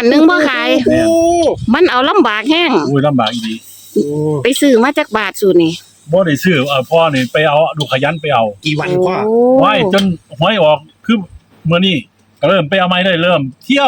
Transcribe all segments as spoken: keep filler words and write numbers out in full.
หนึงบ่ขายมันเอาลำบากแห้งโอ้ยลำบากอีดีไปซื้อมาจากบาทสูตรนี่บ่ได้ซื้อเอาพ่อนี่ไปเอาดูขยันไปเอากี่วันพ่อโอ้ไว้จนหวยออกคือมื้อนี้ก็เริ่มไปเอาไม้ได้เริ่มเที่ยว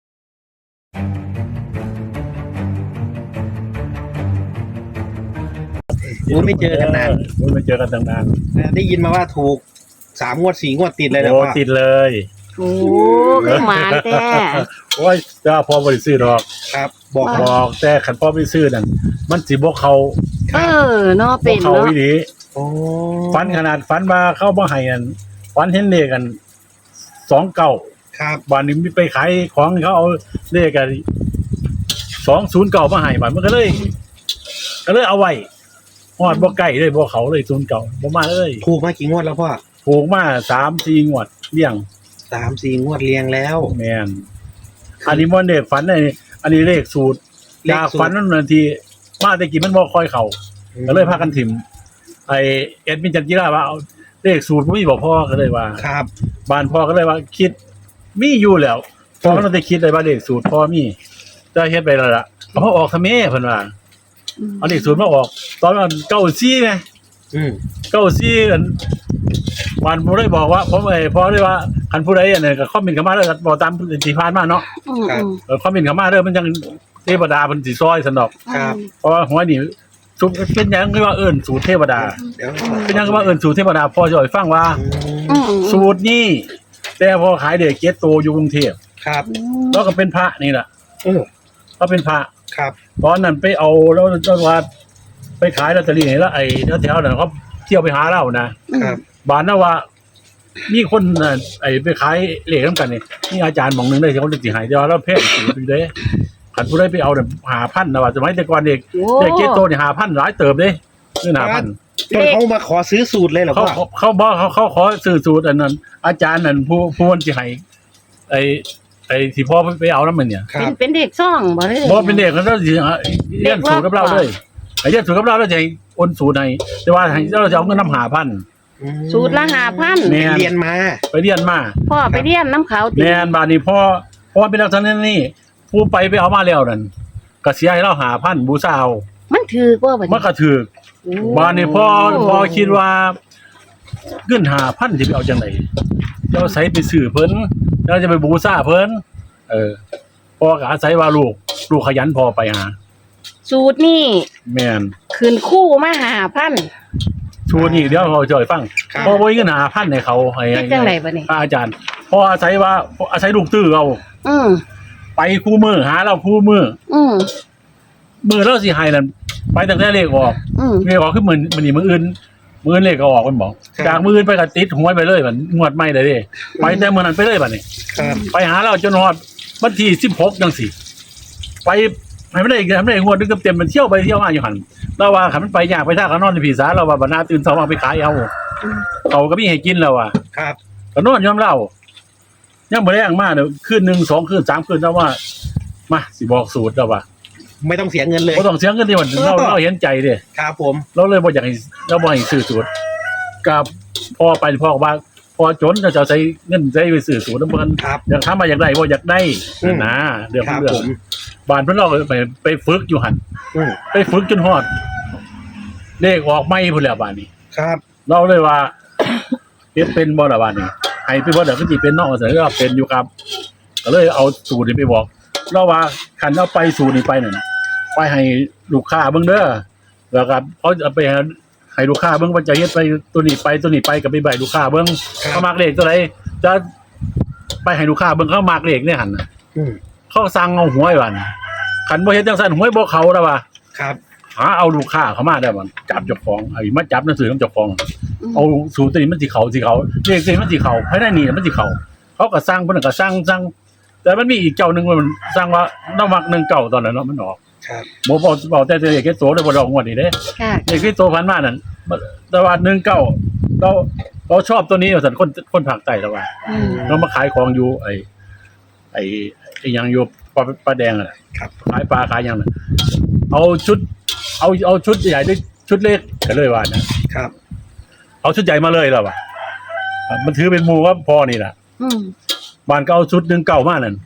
โอ้ไม่เจอกันนานโอ้ยไม่เจอกันตั้งนานได้ยินมาว่าถูกสามงวดสี่งวดติดเลยนะโอ้พ่อติดเลยโอ้คือหมานแต่โอ้ยจ้าพ่อบ่ได้ซื้อดอกครับ บอกบว่าอกแต่คันพ่อไปซื้อนั่นมันสิบ่เข้าเออเนาะบ่เป็นเข้าเนาะอีหลีโอ้ฝันขนาดฝันมาเข้าบ่ให้นั่นฝันเห็นเลขกันสองเก้าครับบ้านนี้มีไปขายของเขาเอาเลขกันสองศูนย์เก้ามาให้บัดมันก็เลย ก็เลยเอาไว้ฮอดบ่ใกล้เลยบ่เขาเลยศูนย์เก้าบ่มาเลยถูกมากี่งวดแล้วพ่อถูกมาสามสี่งวดเลี้ยงสามสี่งวดเรียงแล้วแม่นอันนี้บ่เลขฝันอันนี้อันนี้เลขสูตรเลขจากสูตรฝันนั่นนาทีมาแต่กี้มันบ่ค่อยเข้าก็เลยพากันถิ่มไอ้เอ็ดมินจันจิราว่าเอาเลขสูตรบ่มีบ่พอก็เลยว่าครับบ้านพ่อก็เลยว่าคิดมีอยู่แล้วพ่อก็ต้องได้คิดได้ว่าเลขสูตรพ่อมีจะเฮ็ดไปแล้วล่ะเอามาออกทำไมเพิ่นว่าเอาเลขสูตรมาออก ตอนนั้นเก้าสี่ไงอืมเก้าสี่อันบ้านบ่ได้บอกว่าผมไอ้พ่อได้ว่าคันผู้ใดอันนั้นก็คอมเมนต์เข้ามาแล้วก็บอกตามที่ผ่านมาเนาะอืมอืมเออคอมเมนต์เข้ามาเด้อมันจังเทวดาเพิ่นสิซอยซั่นดอกครับเพราะว่าหัวนี่สูตรเป็นหยังคือว่าเอิ้นสูตรเทวดาเดี๋ยวเป็นหยังคือว่าเอิ้นสูตรเทวดาพ่อจะให้ฟังว่าอืมอืมสูตรนี้แต่พอขายเด็กเก็ตโตอยู่กรุงเทพครับแล้วก็เป็นพระนี่แหละโอ้ก็เป็นพระครับตอนนั้นไปเอาแล้วจังหวัดไปขายลอตเตอรี่นี่แล้วไอ้แถวๆนั้นเขาเที่ยวไปหาเรานะครับ บานนะว่ามีคนน่ะไอ้ไปขายเหล็กน้ำกันนี่นี่อาจารย์หมองหนึงได้ที่เขาสิหายเดียวแล้วแพงสูตรอยู่เด้ขันผู้ใดไปเอาเนี่ยหาพันนะว่าสมัยแต่ก่อนเด็กโอ้เด็กเก็ตโตนี่หาพันหลายเติบเด้นี่หาพันจนเขามาขอซื้อสูตรเลยเหรอเขาพ่อเขาเขาบอกเขาเขาขอซื้อสูตรอันนั้น อาจารย์นั่นผู้ผู้วันสิให้ไอ้ไอ้ที่พ่อไปเอาน้ำมันเนี่ยครัเป็นบเป็นเด็กซ่องบ่ได้บ่เป็นเด็กเขาต้องสิเรียนสูตรกับเราเลยไอ้เรียนสูตรกับเราแล้วจะให้โอนสูตรให้แต่ว่าให้เราจะเอาเงินนำหาพันสูตรละห้าพันแม่เรียนมาไปเรียนมาพ่อไปเรียนน้ำเขาติแม่นบาดนี้พ่อพ่อเป็นลักษณะนี้ผู้ไปไปเอามาแล้วนั่นก็เสียให้เราหาพันบูชาเอามันถือกว่าบัดมันก็ถูกโอ้บาดนี้พ่อพ่อคิดว่าเงินหาพันสิไปเอาจังไดเราใส่ไปซื้อเพิ่นเราจะไปบูชาเพิ่นเออพ่อก็อาศัยว่าลูกลูกขยันพอไปหาสูตรนี่แม่นขึ้นคู่มาห้าพันชูนี่เดี๋ยวเราจะให้ฟังครับพอบ่มีเงินหาพันให้เขาให้เฮ็ดจังไดบัดนี้ให้อาจารย์พออาศัยว่าอาศัยลูกตื้อเอาอืมไปคู่มือหาเราคู่มืออืมมือเราสิให้นั่นไปตั้งแต่เลขออกอืมเลขออกคือมื้อมื้อนี้มื้ออื่นมื้ออื่นเลขก็ออกมันบอกจากมื้ออื่นไปก็ติดหวยไปเลยบัดงวดใหม่เลยเด้ไปแต่มื้อนั้นไปเลยบัดนี้ครับไปหาเราจนฮอดวันที่สิบหกจังซี่ไปให้มันได้ให้มันได้งวดนึงเต็มๆมันเที่ยวไปเที่ยวมาอยู่หั่นเราว่าคันมันไปยากไปท่าก็นอนในผีสาเราว่าบัดหน้าตื่นเช้ามาไปขายเอาเขาก็มีให้กินแล้วว่ะครับก็นอนยอมเล่ายังบ่ได้อ่างมาเด้อคืนหนึ่งสองคืนสามคืนแล้วว่ามาสิบอกสูตรแล้วว่าไม่ต้องเสียเงินเลยบ่ต้องเสียเงินดิมันเราเราเห็นใจเด้ครับผมเราเลยบ่อยากให้เราบ่ให้ซื้อสูตรกับพ่อไปพ่อก็ว่าพอจนจะใช้เงินใช้ไปซื้อสูตรนำเพิ่นครับอยากทำมาอยากได้บ่อยากได้อืมนะเรื่องครับเรื่องผมบ้านเพิ่นเราไปไปฝึกอยู่หั่นอืมไปฝึกจนฮอดเลขออกใหม่พุ่นแล้วบ้านนี้ครับเราเลยว่า เฮ็ดเป็นบ่ล่ะบ้านนี้ให้ไปบ่ได้ก็สิเป็นเนาะแต่ก็เป็นอยู่ครับ ก็เลยเอาสูตรนี้ไปบอกเราว่าคันเอาไปสูตรนี้ไปนั่นไปให้ลูกค้าเบิ่งเด้อแล้วก็เขาจะไปให้ลูกค้าเบิ่งว่าจะเฮ็ดไปตัวนี้ไปตัวนี้ไปก็ไปใบลูกค้าเบิ่งครับเขามักเลขตัวใดจะไปให้ลูกค้าเบิ่งเขามักเลขเนี่ยหั่นน่ะอืมเขาสั่งเอาหวยวันคันบ่เฮ็ดจังซั่นหวยบ่เข้าแล้วว่าครับหาเอาลูกค้าเข้ามาได้บ่จับเจ้าของไอ้มาจับหนังสือของเจ้าของ เอาสูตรตัวนี้มันสิเขาสิเขาเลขตัวนี้มันสิเขาภายในนี่มันสิเขาเขาก็สร้างเพิ่นก็สร้างสร้างแต่มันมีอีกเจ้าหนึงมันสร้างว่าน้ำมักหนึ่งเก่าตอนนั้นเนาะมันออกครับบ่บอกบอกแต่เลขแค่โตได้บ่ดอกงวดนี้เด้ค่ะเลขที่โตพันมานั่นแต่ว่าหนึ่งเก้าเราเราชอบตัวนี้ว่าซั่นคนคนภาคใต้แล้วว่าอืมเรามาขายของอยู่ไอ้ไอ้ไอ้หยังอยู่ปลาปลาแดงอ่ะครับขายปลาขายหยังน่ะเอาชุด เอาเอาชุดใหญ่ด้วยชุดเล็กก็เลยว่านะครับ เอาชุดใหญ่มาเลยแล้วว่ะมันถือเป็นหมู่ว่าพอนี่ล่ะอืมบ้านก็เอาชุดหนึ่งเก่ามากนั่น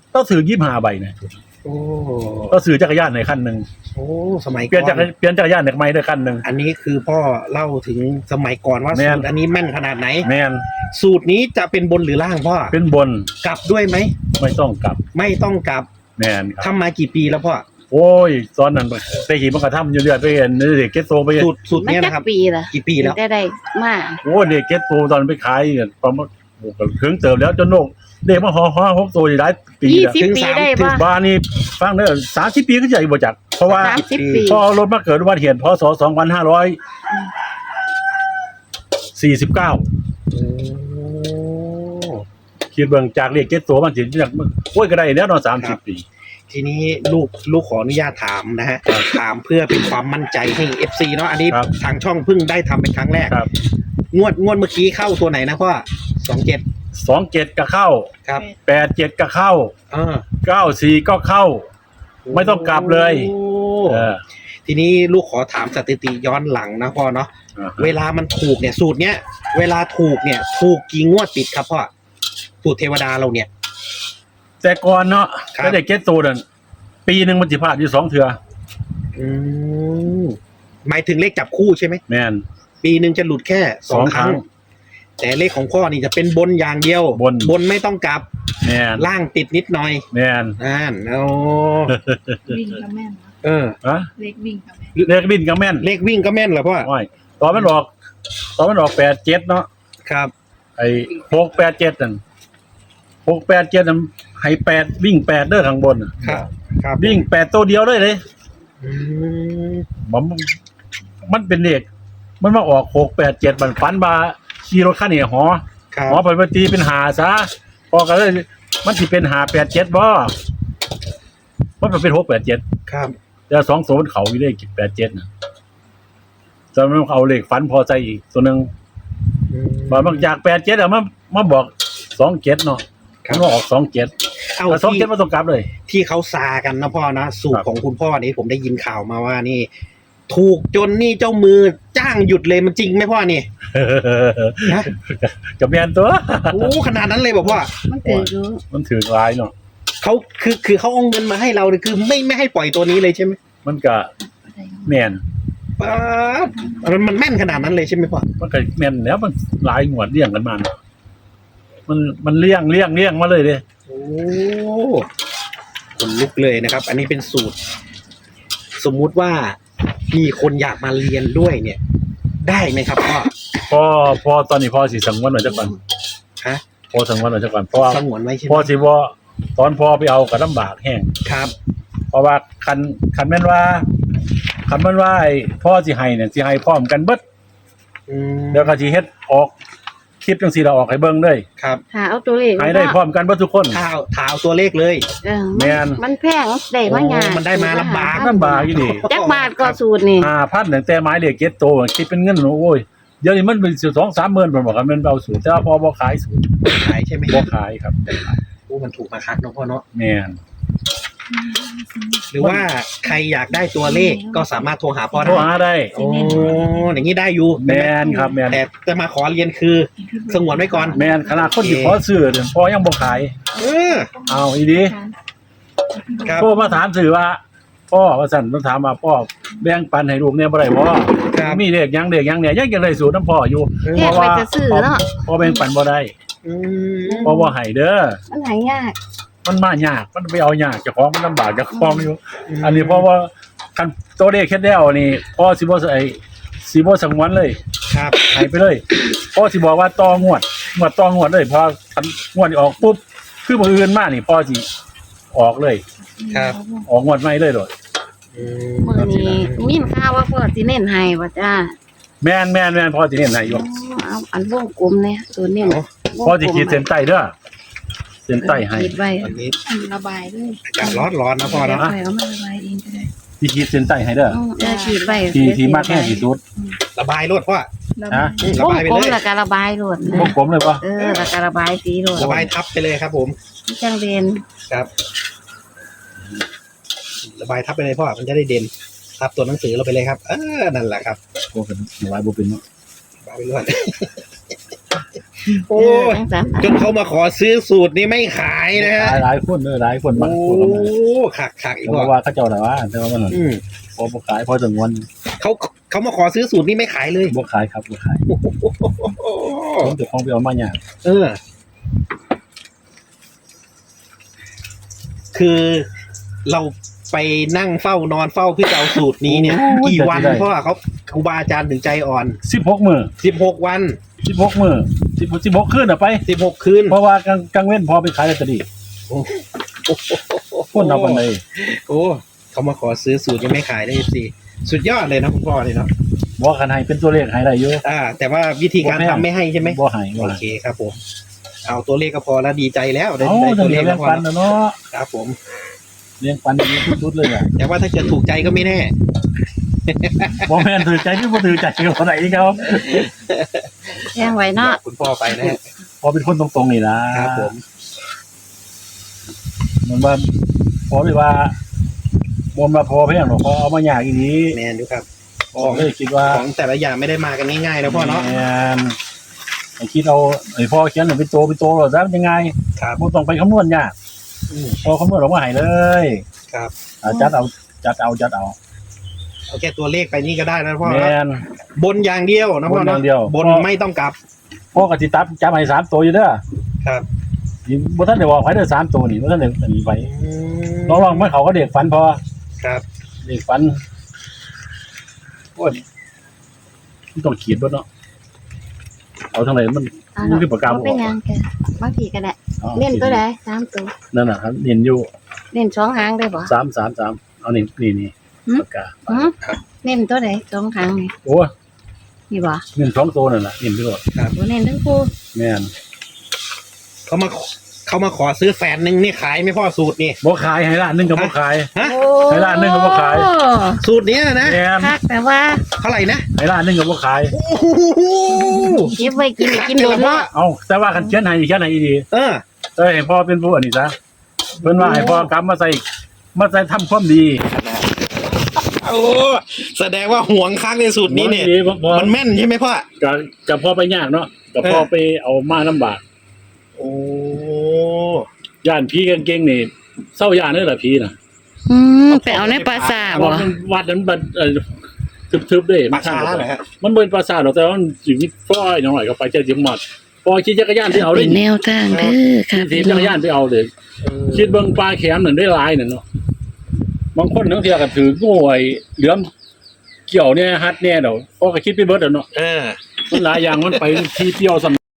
ต้องซื้อยี่สิบห้าใบเนี่ยโอ้ต้องซื้อจักรยานในคันหนึ่งโอ้สมัยเปลี่ยนก่จัอก นรเปลี่ยนจักรยานในไม้ด้วยคันหนึ่งอันนี้คือพ่อเล่าถึงสมัยก่อนว่าแม่สูนตรอันนี้แม่นขนาดไหนแมนสูตรนี้จะเป็นบนหรือล่างพ่อเป็นบนกลับด้วยไหมไม่ต้องกลับไม่ต้องกลับแมนครับทำมากี่ปีแล้วพ่อโอ้ยตอนนั้นไปขี่มันกระทำอยู่เรื่อยไปเห็นเด็กเก็ตโตไปเห็นสูตรสูตรมันเนี้ยจันะครับกปีล่ะกี่ปีแล้วได้ได้มาโอ้เด็กเก็ตโตตอนไปขายเนี่ยประมาณโอ้โหถึงเติมแล้วจนโลกเด็กมาห่อห่อหกโตอยู่ได้ปียี่แล้วสิบถึงปีสามได้ถึงปะบ้านนี่ฟังเด้อสามสิบปีก็ใหญ่บ่จักเพราะว่าสามสิบปีพอรถมาเกิดอุบัติเหตุพศสองพันห้าร้อยสี่สิบเก้าโอ้คิดเบิ่งจากเรียกเก็ตโตมันสิจากโอ้ยก็ได้แล้วเนาะสามสิบปีทีนี้ลูกลูกขออนุญาตถามนะฮะถามเพื่อเป็นความมั่นใจให้ เอฟ ซี เนาะอันนี้ครับทางช่องเพิ่งได้ทำเป็นครั้งแรกครับงวดงวดเมื่อกี้เข้าตัวไหนนะพ่อสองเจ็ดสองเจ็ดก็เข้าครับแปดเจ็ดก็เข้าเออเก้าสี่ก็เข้า ไม่ต้องกลับเลยโอ้เออทีนี้ลูกขอถามสถิติย้อนหลังนะพ่อเนาะอ่าเวลามันถูกเนี่ยสูตรเนี้ยเวลาถูกเนี่ยถูกกี่งวดติดครับพ่อสูตรเทวดาเราเนี่ยแต่ก่อนเนาะครับก็ได้เก็ตโตนั่นปีหนึ่งมันสิพลาดอยู่สองเทื่ออืมหมายถึงเลขจับคู่ใช่ไหมแม่นปีหนึ่งจะหลุดแค่สองสองคครั้รั้งงแต่เลขของพ่อนี่จะเป็นบนอย่างเดียวบนบนไม่ต้องกลับแม่นล่างติดนิดหน่อยแม่นนั่นโอ้วิ่งก็แม่นนะเออฮะเล็กวิ่งก็แม่นเลขบินก็แม่นเลขวิ่งก็แม่นเหรอพ่อโอ้ยตอนมันออกตอนมันออกแปดเจ็ดเนาะครับไอ้หกแปดเจ็ดนั่นหกแปดเจ็ดนั่นให้แปดวิ่งแปดเด้อข้างบนน่ะครับครับวิ่งแปดตัวเดียวเลยเลยอืมมันมันเป็นเลขมันมาออกหกแปดเจ็ดมันฝันบาขี่รถคันนี้หอครับหอไปตีเป็นหาซะพอก็เลยมันสิเป็นหาแปดเจ็ดบ่มันเป็นหกแปดเจ็ดครับแต่สองโซนเขาอยู่ได้แปดเจ็ดนะจะมันเอาเลขฝันพอใจอีกตัวหนึ่งอืมบางจากแปดเจ็ดอะมามาบอกสองเจ็ดเนาะครับมันมาออกสองเจ็ดเอาแต่สองที่เจ็ดมาตรงกลับเลยที่เขาซากันนะพ่อนะสูตครัรบของคุณพ่อนี่ผมได้ยินข่าวมาว่านี่ ถูกจนนี่เจ้ามือจ้างหยุดเลยมันจริงไหมพ่อนี่ นะกับแมนตัวโอ้ขนาดนั้นเลยบอกว่ามันถืออยู่มันถือร้ายเนาะเขาคือคือเขาเอาเงินมาให้เราเนี่ยคือไม่ไม่ให้ปล่อยตัวนี้เลยใช่ไหมมันก็แมนป๊าดมันมันแม่นขนาดนั้นเลยใช่ไหมพ่อมันก็แมนแล้วมันหลายงวดเลี้ยงกันมาเนาะมันมันเลี้ยงเลี้ยงเลี้ยงมาเลยเด้โอ้คนลุกเลยนะครับ อันนี้เป็นสูตร สมมุติว่ามีคนอยากมาเรียนด้วยเนี่ย ได้ไหมครับพ่อพอพอตอนนี้พอสิสังวนไว้จักก่อนฮะพอสังวนไว้จักก่อนเพราะว่าสงวนไว้ใช่ไหมพอสิบ่ตอนพอไปเอาก็ลำบากแห้งครับเพราะว่าคันคันแม่นว่าคันแม่นว่าไอ้พ่อสิให้เนี่ยสิให้พร้อมกันเบิดอืมเดี๋ยวก็สิเฮ็ดออกคลิปจังซี่เราออกให้เบิ่งเลยครับหาเอาตัวเลขให้ได้พร้อมกันเบิดทุกคนถ้าเอาถ้าเอาตัวเลขเลยเออแม่นมันแพงได้มายากโอ้มันได้มาลำบากลำบากอีหลีจักบาทก็สูตรนี่ห้าพันตั้งแต่ไม้เลขเจ็ดโตคิดเป็นเงินโอ้ยเดี๋ยวนี้มันเป็นสองสามหมื่นเพิ่นบอกว่ามันเอาสูตรแต่ว่าพอบ่ขายสูตรขายใช่ไหมบ่ขายครับโอ้มันถูกมาคักเนาะพ่อเนาะแม่นหรือว่าใครอยากได้ตัวเลขก็สามารถโทรหาพ่อโทรได้หาได้โอ้อย่างนี้ได้อยู่แม่นครับแม่นแต่จะมาขอเรียนคือสงวนไว้ก่อนแม่นขนาดคนที่ขอซื้อเนี่ยพอยังบ่ขายเออเอาอีดีครับโทรมาถามสื่อว่าพ่อว่าสั่นมาถามว่าพ่อแบ่งปันให้ลูกเนี่ยบ่ได้บ่ครับมีเด็กยังเด็กยังเนี่ยยังจะได้สูตรน้ำพ่ออยู่แยกไปจะซื้อเนาะพ่อแบ่งปันบ่ได้อืมพ่อบ่ให้เด้อมันหายากมันมายากมันไปเอายากเจ้าของมันลำบากเจ้าของอยู่ อันนี้เพราะว่าคันตัวเลขเฮ็ดแล้วนี่พ่อสิบ่ใส่สิบ่สังวนเลยครับให้ไปเลยพ่อสิบอกว่าต่องวดงวดต่องวดเลยพอคันงวดนี้ออกปุ๊บคือมื้ออื่นมานี่พ่อสิออกเลยครับออกงวดใหม่เลยโดดอืมมื้อนี้มีข่าวว่าพ่อสิเน้นให้บ่จ้าแม่นแม่นแม่นพ่อสิเน้นให้อยู่เอาอันวงกลมเนี่ยตัวเน้นพ่อสิขีดเส้นใต้เด้อเส้นใต้ให้ขีดไว้วันนี้อันระบายด้วยอากาศร้อนร้อนๆนะพ่อเนาะไปเอามาระบายเองก็ได้สิขีดเส้นใต้ให้เด้ออืมเออขีดไว้ที่ที่มากแค่ที่สุดระบายรถพ่อระฮะบายระวงบายไปกลเลมยแล้วก็ระบายโลดพวกผมเลยปะเออแล้วก็ระบายสีโลดระบายทับไปเลยครับ ผมจังเด่นครับ ระบายทับไปเลยพ่อมันจะได้เด่นทับตัวหนังสือเราไปเลยครับเออนั่นแหละครับพวกกันหลายบ่เป็นเนาะระบายไปเรื่อยโอ้ยทั้งสามจนเขามาขอซื้อสูตรนี้ไม่ขายนะฮะหลายหลายคนเลยหลายคนโอ้มากคนละมาขักขักอีกเพว่าราะว่าเขาเจ้าแต่ว่าแต่ว่ามันอืมพอบ่ขายพอถึงวันเขาเขามาขอซื้อสูตรนี้ไม่ขายเลยบ่ขายครับบ่ขายผมจะของไปเอามาอย่างเออ คือเราไปนั่งเฝ้านอนเฝ้าเพื่อจะเอาสูตรนี้เนี่ย กี่วันเพราะว่าเขาครูบาอาจารย์ถึงใจอ่อนสิบหกมื้อสิบหกวันสิบหกมื้อสิบสิบหกคืนน่ะไปสิบหกคืนเพราะว่ากลางกลางเว้นพอไปขายลอตเตอรี่โอ้คนเอาปานใดโอ้เขามาขอซื้อสูตรยังไม่ขายได้สิสุดยอดเลยนะคุณพ่อเลยเนาะบ่คันให้เป็นตัวเลขให้ได้อยู่อ่า แต่ว่าวิธีการทำไม่ให้ใช่ไหมบ่ให้บ่โอให้เคครับผม เอาตัวเลขก็พอแล้วดีใจแล้วได้เอ้าได้จัตังวเลเลี้ขยแล้วงพอปันแล้วน่ะเนาะครับผมเลี้ยงปันอย่างนี้สุดๆเลยอ่ะแต่ว่าถ้าเกิดถูกใจก็ไม่แน่บ่แม่นถือใจหรือบ่ถือใจก็บ่ได้อีกครับแย่งไว้เนาะคุณพ่อไปนะฮะพอเป็นคนตรงๆนี่นะครับผมมันว่าพอเลยว่าบ่มาพอเพียงหรอกพอเอามายากอีนี้แมนดูครับพอเลยคิดว่าของแต่ละอย่างไม่ได้มากันง่ายๆนะพ่อเนาะแม่นไอ้คิดเอาไอ้พ่อเขียนเป็นตัวเป็นตัวหรอซะยังไงครับบ่ต้องไปคำนวณยากอืมพอคำนวณออกมาให้เลยครับอ่าจัดเอาจัดเอาจัดเอาเอาแค่ตัวเลขไปนี่ก็ได้นะพ่อแม่เนาะนบนอย่างเดียวนะพ่อบนอเนาะย่างเดียวบนไม่ต้องกลับพ่อก็สิตัดจับให้สามตัวอยู่เด้อครับนี่บ่ทันได้บอกไผเด้อสามตัวนี่บ่ทันได้อันนี้ไปอืมลองๆมันเขาก็เด็กฝันพอครับเด็กฝันโอ้ยมันต้องขีดเบิดเนาะเอาทางไหนมันเอามันเนาะคือปากกาบ่เป็นหยังแกบางทีก็ได้อาเล่นตัวใดสามตัวนั่นน่ะครับเน้นอยู่เล่นสองหางได้บ่สาม สาม สามเอานี่นี่นี่หืมปากกาหือเล่นตัวใดสองหางนี่โอ้ยนี่บ่เน้นสองตัวนั่นน่ะเน้นไปก่อนบ่เล่นทั้งคู่แม่นเขามาเขามาขอซื้อแฟนหนึ่งนี่ขายไหม่พ่อสูตรนี่บ่ขายให้ร้านหนึงก็บ่ขายฮะโอ้ให้ร้านหนึ่งก็บ่ขายสูตรเนี้ยนะแม่นคักแต่ว่าเท่าไหร่นะให้ร้านหนึงก็บ่ขายโอ้โหเก็บไว้กินกินโดนเนาะเอาแต่ว่าคันเขียนให้เขียนให้ดีเออเอ้ยให้พ่อเป็นผู้อันนี้ซะเพิ่นว่าให้พ่อกลับมาใส่มาใส่ทำความดีโอ้แสดงว่าห่วงค้างในสูตรนี้เนี่ยดีบ่บ่มันแม่นใช่ไหมพ่อก็ก็พอไปยากเนาะก็พอเออไปเอามาลำบากโอ้ย่านผีเก่งๆนี่เศร้าย่านเด้อล่ะผีน่ะอืมไปเอาในปราสาทเพบ่ราะมันวัดนั้นบัดเอ่อทึบๆเด้ปลาช้าเหรอฮะมันบ่เป็นปราสาทหรอกแต่ว่ามันสิมีฟ้อยหน่อยก็ไปเจอจิมมัดพอขี่จักรยานที่เอาเป็ได้นแนวทางเด้อค่ะขี่พี่จัน้อก งรยานไปเอาเลยคิดเบิ่งปลาแขมนั่นได้หลายนั่นเนาะบางคนทั้งเที่ยก็ถืองูไอ้เหลือมเกี่ยวเนี่ยฮัดแน่ดอกพอก็คิดไปเบิดแล้วเนาะเออมันหลายอย่างมันไปที่เที่ยวสำ